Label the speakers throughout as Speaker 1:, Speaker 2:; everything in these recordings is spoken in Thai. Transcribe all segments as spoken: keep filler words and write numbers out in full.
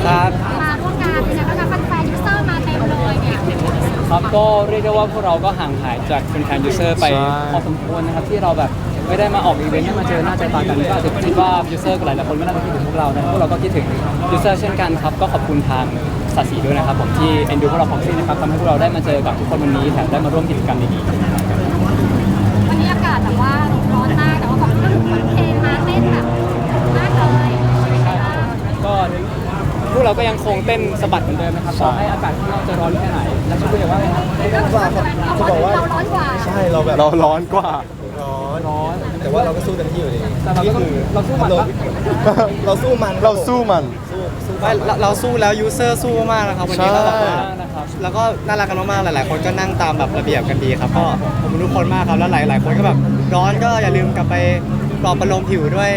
Speaker 1: ครับ
Speaker 2: มาร่วมงานเป็นไงบ้างคะแฟนๆยูเซอร์มาเต็มเลยเนี่ย
Speaker 1: ครับก็เรียกได้ว่าพวกเราก็ห่างหายจากแฟนๆยูเซอร์ไปพอสมควรนะครับที่เราแบบไม่ได้มาออกอีเวนต์ให้มาเจอหน้าเจอตากันก็อาจจะคิดว่ายูเซอร์หลายๆคนก็น่าจะคิดถึงพวกเรานะพวกเราก็คิดถึงยูเซอร์เช่นกันครับก็ขอบคุณทางสัตว์สีด้วยนะครับผมที่เอ็นดูพวกเราพ็อกซี่นะครับทำให้พวกเราได้มาเจอกับทุกคนวันนี้แถมได้มาร่วมกิจกรรมดีๆ
Speaker 2: วันนี้อากาศแบบว่าร้อนมากแต่ว่าของก็หนุ่มเพลงมาเต้นแบบมากเลย
Speaker 1: ก็พวกเราก็ยังคงเต้นสะบัดเหมือนเดิมนะครับต่อให้อากาศข้างนอกจะร้อนแค่ไหนแล้วชุดอย่างว่าไงครับ
Speaker 2: เขาบอกว่าเราร้อนกว่า
Speaker 3: ใช่เราแบบ
Speaker 4: เราร้อนกว่า
Speaker 3: ร้อน
Speaker 1: ร้อน
Speaker 3: แต่ว่าเราก็สู้เต็มที่อยู่ดี
Speaker 1: แต่เราก็ต้องเราสู้มันปะ
Speaker 3: เราสู้มัน
Speaker 4: เราสู้มัน
Speaker 3: สู้สู้
Speaker 5: ไม่เราเราสู้แล้วยูเซอร์สู้มากๆนะครับวันนี้
Speaker 4: ใช่
Speaker 5: ก็แบบว่า
Speaker 1: นะครับ
Speaker 5: แล้วก็น่ารักกันมากๆหลายๆ คนก็นั่งตามแบบระเบียบกันดีครับก็ขอบคุณทุกคนมากครับแล้วหลายๆ คนก็แบบร้อนก็อย่าลืมกลับไปปลอบประโลมผิวด้วย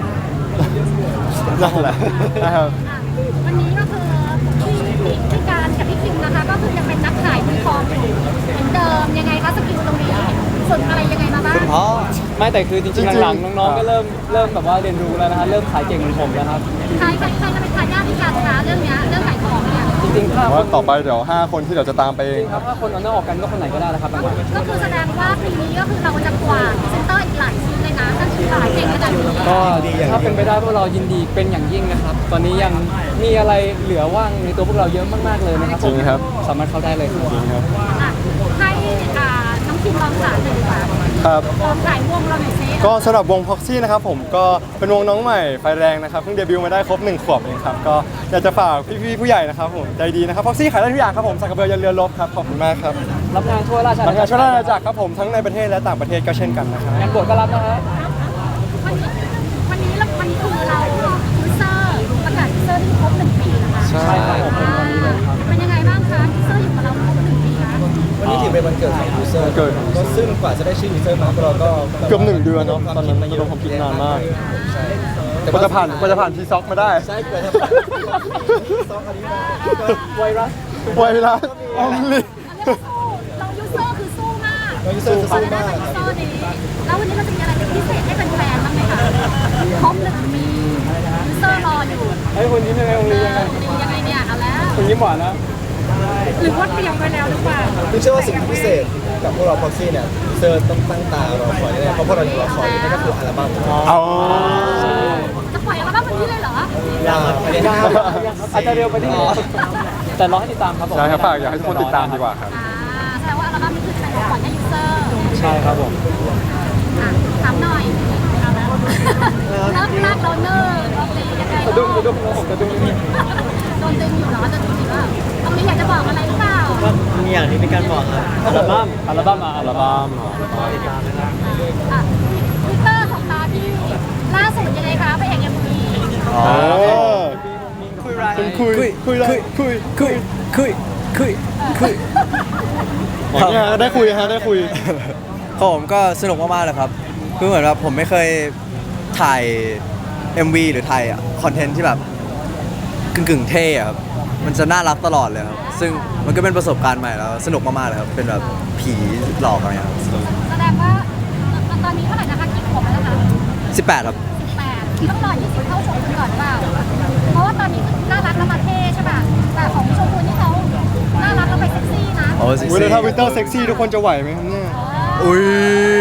Speaker 4: นั่นแหละนะครับ
Speaker 2: วันนี้ก็คือพี่พี่การกับพี่คิมนะคะก็คือยังเป็นนักขายมือทองอยู่เหมือนเดิมยังไงคะสกิลตรงนี้ฝึกอะไรยังไงมาบ้าง
Speaker 5: คุณพ่อ
Speaker 1: ไม่แต่คือจริง
Speaker 4: จริ
Speaker 1: ๆ
Speaker 4: งๆ
Speaker 1: หลังๆน้องๆก็เริ่มเริ่มแบบว่าเรียนรู้แล้วนะฮะเริ่มขายเก่งเหมือนผมแล้วครับ
Speaker 2: ใครใครใครจะเป็นทายาทพี่การคะเรื่องเนี้ยเรื่องขายของเนี่ย
Speaker 1: จริงๆถ้า
Speaker 4: ว่าต่อไปเดี๋ยวห้าคนที่เดี๋ยวจะตามไปเอง
Speaker 1: ค
Speaker 4: ค
Speaker 1: รั
Speaker 4: รั
Speaker 1: บบ ถ้าคนเอาหน้าออกกันก็คนไหนก็ได้นะครับบางวัน
Speaker 2: ก็คือแสดงว่าปีนี้ก็คือเราจะกวาดพรีเซนเตอร์อีกหลายชิ้นเลยนะถ้าขายเก่งขนาดนี้
Speaker 1: ก็ถ้าเป็นไปได้พวกเรายินดีเป็นอย่างยิ่งนะครับ ตอนนี้ยังมีอะไรเหลือว่างในตัวพวกเราเยอะมากๆเลยนะครับ
Speaker 4: จริงครับ
Speaker 1: สามารถเข้าได้เลยครับ
Speaker 4: จริงครับ
Speaker 2: อ่ะให้อ่าน้องคิมลองขายหน่อยดีกว่า
Speaker 4: ครับ
Speaker 2: ลองขายวงเราหน่อยซิ
Speaker 4: ก็สำหรับวง Proxy นะครับผมก็เป็นวงน้องใหม่ไฟแรงนะครับเพิ่งเดบิวต์มาได้ครบหนึ่งขวบเองครับก็อยากจะฝากพี่ๆผู้ใหญ่นะครับผมใจดีนะครับ Proxy ขายได้ทุกอย่างครับผมสักกระเบือยันเรือรบครับขอบคุณมากครับ
Speaker 1: รับงานช่วยราชอา
Speaker 4: ทำ
Speaker 1: ณา
Speaker 4: งานช่วยราชอาณา
Speaker 1: จั
Speaker 4: จั
Speaker 1: ก
Speaker 4: กรครับผมทั้งในประเทศและต่างประเทศก็เช่นกันนะครับ
Speaker 1: งานบวชก็รับนะฮะ
Speaker 2: วันนี้วันนี้เราวันนี้คือเรายูเซอร์ประกาศยูเซอร์ที่ครบหนึ่งปีนะคะ
Speaker 4: ใช่
Speaker 1: ใช่ครับผมเป็นวันนี้เลยครับ
Speaker 2: เป็นยังไงบ้างคะยูเซอร์อยู่กับเราครบหนึ่งปีนะ
Speaker 3: วันนี้ถือเป็นวันเกิดของยูเซอร์
Speaker 4: วันเกิด
Speaker 3: ก็ซึ่งกว่าจะได้ชื่อยูเซอร์มาพวกเราก็
Speaker 4: เกือบหนึ่งเดือนเนอะตอนนั้นระดมความคิดนานมาก
Speaker 3: ใช่แต่
Speaker 4: กว่าจะผ่านกว่าจะผ่านทีซ็อกมาได้
Speaker 3: ใช่เกิดทำซองอันนี้มาก็
Speaker 1: ไวรัส
Speaker 4: ไวรัสออมลิ
Speaker 2: เรายูเซอร์คือสู้มาก
Speaker 3: น้องยูเซอร์จะสู้
Speaker 2: ได้
Speaker 3: มาก
Speaker 2: ยูเซอร์นี้แล้ววันนี้เราจะมีอะไรเป็นพิเศษให้แฟนๆบ้างไหมคะครบหนึ่งปียูเซอร์รออยู่
Speaker 1: ไอ้ยคุณยิ้มยังไงคุณ
Speaker 2: เอ
Speaker 1: ยิ้มยังไง
Speaker 2: อดียังไงเนี่ยเอาแล้ว
Speaker 1: คุณยิ้มหวานนะ
Speaker 2: หรือว่าเตรียมไว้แล้วหรือเปล่า
Speaker 3: คือเชื่อว่าสิ่งที่พิเศษกับพวกเราพ็อกซี่เนี่ยยูเซอร์ต้องตั้งตารอคอยแน่ๆเพราะพวกเรายังรอคอยอยู่นั่นก็คืออัลบั้ม
Speaker 4: เอา
Speaker 2: จะปล่อยอัลบั้มวันนี้เลยเหรอ
Speaker 3: ยาวไม่ได้
Speaker 1: ยังอาจจะเร็วไปนิดนึงแต่รอให้ติดตามครับผม
Speaker 4: ใช่ครับฝากอยากให้ทุกคนติดตามดีกว่าครับ
Speaker 2: อ่าแสดงว่าอัลบั้มนี้คือจะเป็นของขวัญให้ยูเซอร์
Speaker 1: ใช่ครับผม
Speaker 2: อ่ะถามหน่อยเอาละเริ่มลากเราเนอร์โอเคยังไง
Speaker 1: กระดุ้งกระดุ้งผมกระดุ้งนิด
Speaker 2: โดนตึงอยู่เหรอจะดูสิว่าตรงนี้อยากจะบอกอะไรหรือเปล่า
Speaker 5: ก็มีอย่างที่พี่การบอกครับ
Speaker 1: อัลบั้มอัลบั้มมาอัลบั้ม
Speaker 5: ติดตามนะครับ
Speaker 2: อ่ะทวิตเตอร์ของตาที่ล่าสุดยังไงคะไปเอกเอ็มวี
Speaker 4: อ๋อ
Speaker 5: คุยไร
Speaker 4: เป็นคุยคุยคุยคุยคุย
Speaker 5: คุยคุยคุย
Speaker 4: เนี่ยได้คุยฮะได้คุย
Speaker 5: ครับผมก็สนุกมากๆเลยครับคือเหมือนแบบผมไม่เคยถ่าย เอ็ม วี หรือถ่ายคอนเทนต์ที่แบบกึ่งๆเท่อะครับมันจะน่ารักตลอดเลยครับซึ่งมันก็เป็นประสบการณ์ใหม่แล้วสนุกมากๆเลยครับเป็นแบบผีหลอกอะไรครับ
Speaker 2: แสดงว่าตอนนี้เท่าไหร่นะคะกี่ขวบแล้วนะคะ
Speaker 5: สิบแปดครับ
Speaker 2: สิบแปดต้องรอยี่สิบเข้าชมกันก่อนหรือเปล่าเพราะว่าตอนนี้น่ารักแล้วมาเท่ใช่ป่ะแต่ของชมพูนี่เขาน่ารักแล้วไปเซ็กซี่นะ
Speaker 5: โอ้สิ
Speaker 4: เวลาถ้าวินเตอร์เซ็กซี่ทุกคนจะไหวไหมครับเนี่ย
Speaker 5: อุ้ย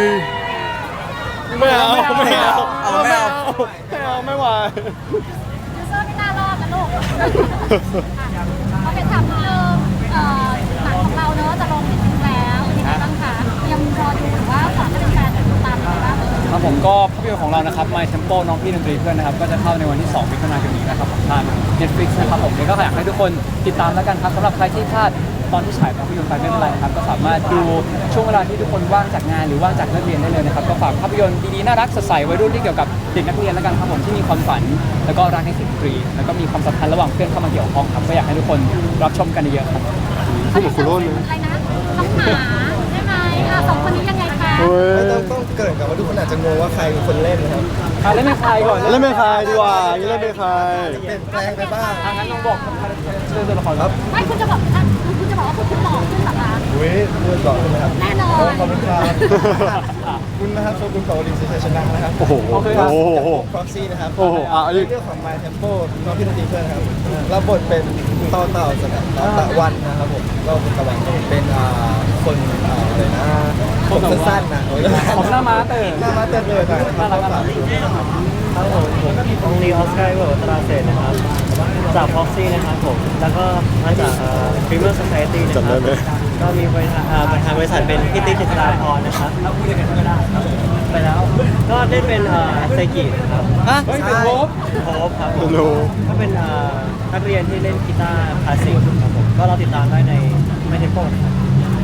Speaker 4: ไม่เอาไม่เอา
Speaker 5: เอาไม่เอา
Speaker 4: ไม่เอาไม่ไหว
Speaker 2: ยูเซอร์ไม่น่ารอดนะลูกเขาเป็นถามนิดนึงเอ่อหนังของเราเนอะจะลงจริงๆแล้วเป็นยังไงบ้างคะยังรอดูหรือว่าฝากให้แฟนๆติดตามอะไรบ้าง
Speaker 1: ครับผมก็ภาพยนตร์ของเรานะครับ My Tempo น้องพี่ดนตรีเพื่อนนะครับก็จะเข้าในวันที่สองมิถุนายนนี้นะครับของทาง Netflix นะครับผมก็อยากให้ทุกคนติดตามแล้วกันครับสำหรับใครที่พลาดตอนที่ฉายภาพยนตร์ไปไม่เป็นไรนะครับก็สามารถดูช่วงเวลาที่ทุกคนว่างจากงานหรือว่างจากเลิกเรียนได้เลยนะครับก็ฝากภาพยนตร์ดีๆน่ารักสดใสวัยรุ่นที่เกี่ยวกับเด็กนักเรียนแล้วกันครับผมที่มีความฝันแล้วก็รักในสิ่งดนตรีแล้วก็มีความสัมพันธ์ระหว่างเพื่อนเข้ามาเกี่ยวข้องครับก็อยากให้ทุกคนรับชมกันเยอะๆครับ
Speaker 4: พูดเหมือนคุณโรจน์เลย
Speaker 2: อะไรนะน้องหมาใช่ไหมอ่ะสองคนนี้ยังไงคะ
Speaker 4: เฮ้
Speaker 3: ไม่
Speaker 4: ย
Speaker 3: ต้องต้องเกริ่นกับว่าทุกคนอาจจะงงว่าใครเป็นคนเล่นนะครับ
Speaker 1: อ่ะเล่นเป็นใครก่อน
Speaker 4: เล่นเป็นใครดีกว่านี่เล่นเป็นใคร
Speaker 3: เปลี่ยนแปลงไปบ้าง
Speaker 1: อ่ะงั้นน้องบอกเรื่องตัวละครครับ
Speaker 2: ไม่คุณจะบอกอ่ะคุณจะบอกว่าคุณคุณหล่อขึ้นเหรอคะ
Speaker 3: อุ้ยพูดก่อนใช่ไหมครับ
Speaker 2: แน่นอน
Speaker 3: ขอบคุณครับคุณนะครับโชกุนกับโอลินซิชนะนะครับ
Speaker 4: โอ้โห
Speaker 1: โอเคครับ
Speaker 4: โอ้โห
Speaker 3: ฟ็อกซี่นะครับ
Speaker 4: โอ้โหอ่ะอันนี้
Speaker 3: เรื่องของ My Tempo น้องพี่นันทีเพื่อนครับรับบทเป็นต่อเต่าสกัดต่อตะวันนะครับผมก็เป็นตะวันเป็นอ่าคนอ่าอะไรนะผมสั้นๆนะโอ้ย
Speaker 1: ผมหน้าม้าตื่น
Speaker 3: หน้ามาเต้นเลยนะครับ
Speaker 1: น่ารักน่ารัก
Speaker 6: ครับผมผมองลีออสการ์เวิร์ตราเซนนะครับ จากพ็อกซี่นะครับผม แล้วก็มาจากฟรีเมอร์ส c i ตี้นะค
Speaker 4: จำได้
Speaker 6: รับ
Speaker 4: ไหม
Speaker 6: ก็มีบริษัทอ่าประธานบริษัทเป็นพี่ติ๊กเจษฎาพรนะครับแล้วพูดกันก็ได้ไปแล้ว ก็เล่นเป็นเอ่อเซกินะครับ
Speaker 1: ฮะเฮ้ยเป็นโฮป
Speaker 6: โฮปครับผม
Speaker 4: รู้
Speaker 6: ก็เป็นเอ่อนักเรียนที่เล่นกีตาร์คลาสสิกครับผม ก็เราติดตามได้ในไม่เทปโป้นะครับ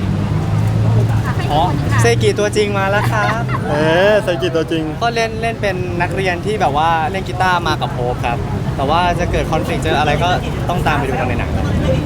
Speaker 1: อ๋อ
Speaker 7: เซกิตัวจริงมาแล้วครับ
Speaker 4: เอ๊ะใส่กีตัวจริง
Speaker 7: ก็เล่นเล่นเป็นนักเรียนที่แบบว่าเล่นกีตาร์มากับโฮปครับ แต่ว่าจะเกิดคอนฟ lict เจออะไรก็ต้องตามไปดูกันในหนังครับ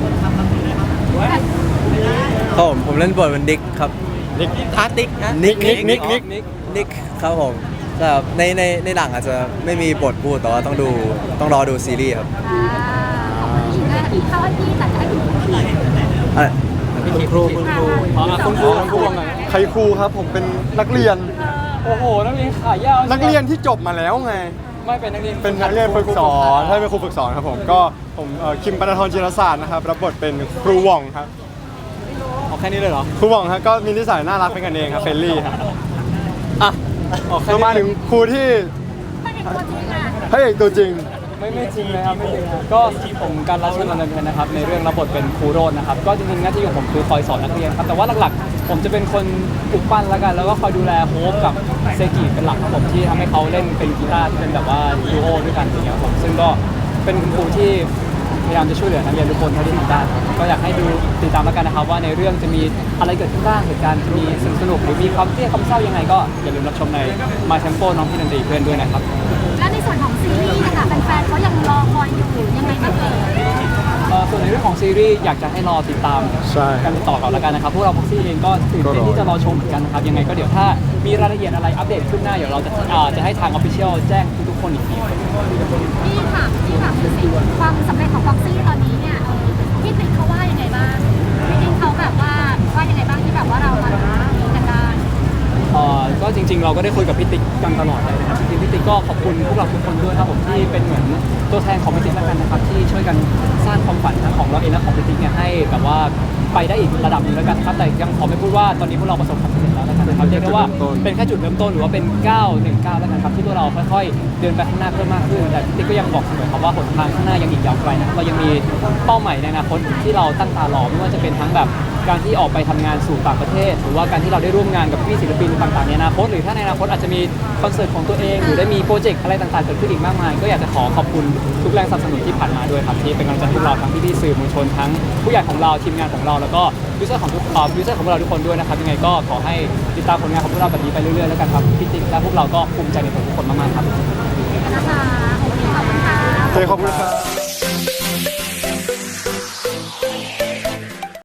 Speaker 5: ครับผมผมเล่นบทเป็นดิกครับ
Speaker 7: นิกอาร์ติกนะ
Speaker 5: นิกนิกนิก
Speaker 1: นิ
Speaker 5: นิ
Speaker 1: ก
Speaker 5: ก
Speaker 1: นิก
Speaker 5: นิกครับผมแต่แบบในในในหนังอาจจะไม่มีบทพูดแต่ว่าต้องดูต้องรอดูซีรีส์ครับ
Speaker 2: อ่าของผู้หญิงนะพี่เขาให้พี่แต่จะให้คุณครู
Speaker 5: อ่ะ
Speaker 1: คุณครูคุณครูอ๋ออ่ะคุณครูคุณครูว่าไง
Speaker 4: ใครครูครับผมเป็นนักเรียน
Speaker 1: โอ้โหนักเรียนขายาว
Speaker 4: นักเรียนที่จบมาแล้วไง
Speaker 1: ไม่เป็นนักเรียน
Speaker 4: เป็นนักเรียนฝึกสอนใช่เป็นครูฝึกสอนครับผม ก็ผมเอ่อคิมปนทรจิรศาสตร์นะครับ รับบทเป็นครูหว่องครับ
Speaker 1: เอาแค่นี้เลยเหรอ
Speaker 4: ครูหว่องครับก็มีนิสัยน่ารักเป็นกันเองครับเฟรนลี่ครับ
Speaker 1: อ่ะเอาแค่
Speaker 4: เรา
Speaker 1: นี้
Speaker 4: มาถึงครูที่
Speaker 2: ไม่เป็นตัวจริงอ่ะ
Speaker 4: พระเอกตัวจริง
Speaker 1: ไม่ไม่จริงเลยครับไม่จริงครับก็ผมการรับเชิญมาดำเนินนะครับในเรื่องรับบทเป็นครูโรจน์นะครับก็จริงๆหน้าที่ของผมคือคอยสอนนักเรียนครับแต่ว่าหลักๆ ผมจะเป็นคนปลุกปั้นแล้วกันแล้วก็คอยดูแลโฮปกับเซกิเป็นหลักครับผมที่ทำให้เขาเล่นเป็นกีตาร์ที่เป็นแบบว่าดูโอด้วยกันอย่างเงี้ยครับผมซึ่งก็เป็นคุณครูที่พยายามจะช่วยเหลือนักเรียนทุกคนเท่าที่ทำได้ก็อยากให้ดูติดตามแล้วกันนะครับว่าในเรื่องจะมีอะไรเกิดขึ้นบ้างเหตุการณ์จะมีสนุกสนุกหรือมีความเครียดความเศร้ายังไงก็อย่าลืมรับชมใน My Tempo น้องพี่ดนตรีเพื่อนด้วยนะครับ
Speaker 2: แล้วในส่วนของซีรีส์นะคะแฟนๆเขายังรอคอยอยู่ยังไงบ้างเอ่ย
Speaker 1: เอ่อส่วนในเรื่องของซีรีส์อยากจะให้รอติดตาม
Speaker 4: ใช่
Speaker 1: กันต่อก่อนแล้วกันนะครับพวกเราพ็อกซี่เองก็ตื่นเต้นที่จะรอชมเหมือนกันนะครับยังไงก็เดี๋ยวถ้ามีรายละเอียดอะไรอัปเดตขึ้นหน้าเดี๋ยวเราจะอ่าจะให้ทางออฟฟิเชียลแจ้งทุกๆคนอีกที
Speaker 2: พี่ถามพี่ถามดูสิความสำเร็จของฟ็อกซี่ตอนนี้เนี่ยเออพี่ติ๊กเขาว่ายังไงบ้างพี่ติ๊กเขาแบบว่าว่ายังไงบ้างที่แบบว่าเรามาทำนี้กันได้
Speaker 1: เอ่อก็จริงๆ เราก็ได้คุยกับพี่ติ๊กกันตลอดเลยนะครับจริงๆพี่ติ๊กก็ขอบคุณพวกเราทุกคนด้วยครับผมที่เป็นเหมือนตัวแทนของพี่ติ๊กแล้วกันนะครับที่ช่วยกันสร้างความฝันทั้งของเราเองและของพี่ติ๊กเนี่ยให้แบบว่าไปได้อีกระดับหนึงแล้วกันครับแต่ยังขอไม่พูดว่าตอนนี้พวกเราประสบความสำเร็จแล้วนะครับเรียกได้ว่าเป็นแค่จุดเริ่มต้นหรือว่าเป็นก้าวหนึ่งก้าวแล้วกันครับที่พวกเราค่อยๆเดินไปข้างหน้าเพิ่มมากขึ้นแต่พี่ติ๊กก็ยังบอกเสมอครับว่าหนทางข้างหน้ายังอีกยาวไกลนะครับเรายังมีเป้าหมายในอนาคตที่เราตั้งตารอไม่ว่าจะเป็นทั้งแบบการที่ออกไปทำงานสู่ต่างประเทศ หรือว่าการที่เราได้ร่วมงานกับพี่ศิลปินต่างๆในอนาคตหรือถ้าในอนาคตอาจจะมีคอนเสิร์ตของตัวเองหรือได้มีโปรเจกต์อะไรต่างๆเกิดขึ้นอีกมากมายก็อยากจะขอขอบคุณทุกแรงสนับสนุนที่ผ่านมาด้วยครับที่เป็นกำลังใจให้พวกเราทั้งพี่ๆสื่อมวลชนทั้งผู้ใหญ่ของเราทีมงานของเราแล้วก็ยูเซอร์ของทุกอ่ายูเซอร์ของพวกเราทุกคนด้วยนะครับยังไงก็ขอให้ติดตามผลงานของพวกเราแบบนี้ไปเรื่อยๆแล้วกันครับพี่ติ๊กและพวกเราก็ภูมิใจในตัวทุกคนมากๆครับ
Speaker 2: นะคะโอเคขอบคุณค่ะ
Speaker 4: เจขอบคุณครับ